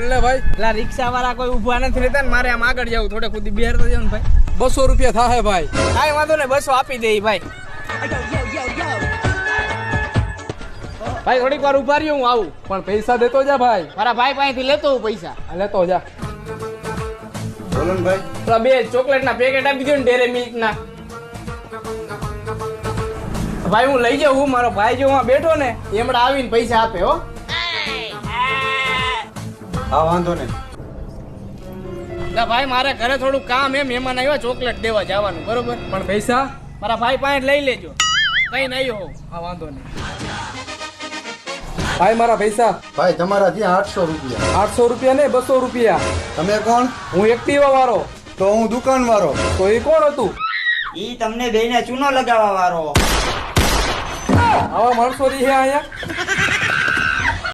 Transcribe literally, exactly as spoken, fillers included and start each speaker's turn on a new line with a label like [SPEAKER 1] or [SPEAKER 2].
[SPEAKER 1] લે ભાઈ.
[SPEAKER 2] પેલા રિક્ષા વાળા કોઈ ઊભા નથી રહેતા ને મારે આમ આગળ જવું થોડે ખુદી બિહાર તો જાવ ને ભાઈ.
[SPEAKER 1] બસો રૂપિયા થાય ભાઈ.
[SPEAKER 2] કાંઈ વાંધો નહીં બસો આપી દે ભાઈ. ભાઈ થોડીક વાર ઉભા રહ્યો હું આવું.
[SPEAKER 1] પણ પૈસા દેતો જા ભાઈ.
[SPEAKER 2] મારા ભાઈ પાસેથી લેતો હું પૈસા.
[SPEAKER 1] આ લેતો જા.
[SPEAKER 3] બોલો ને ભાઈ.
[SPEAKER 2] પેલા બે ચોકલેટ ના પેકેટ આપી દો ને ડેરે મિલ્ક ના. ભાઈ હું લઈ જાઉં. મારો ભાઈ જો હું બેઠો ને એમણે આવીને પૈસા આપે હો.
[SPEAKER 3] હા વાંધો નહીં.
[SPEAKER 2] ના ભાઈ મારે ઘરે થોડું કામ એમ મહેમાન આવ્યા ચોકલેટ દેવા જવાનું બરોબર.
[SPEAKER 1] પણ પૈસા
[SPEAKER 2] મારા ભાઈ પાસે લઈ લેજો. કઈ નહીં હો.
[SPEAKER 1] હા વાંધો નહીં. ભાઈ મારા પૈસા.
[SPEAKER 3] ભાઈ તમારા ત્યાં આઠસો રૂપિયા.
[SPEAKER 1] આઠસો રૂપિયા ને બસો રૂપિયા.
[SPEAKER 3] તમે કોણ?
[SPEAKER 1] હું એક્ટિવા વાળો.
[SPEAKER 3] તો હું દુકાન વાળો.
[SPEAKER 1] તો એ કોણ હતું?
[SPEAKER 4] ઈ તમને બેને ચૂનો લગાવવા વાળો.
[SPEAKER 1] આવા માણસો રહી અહીંયા.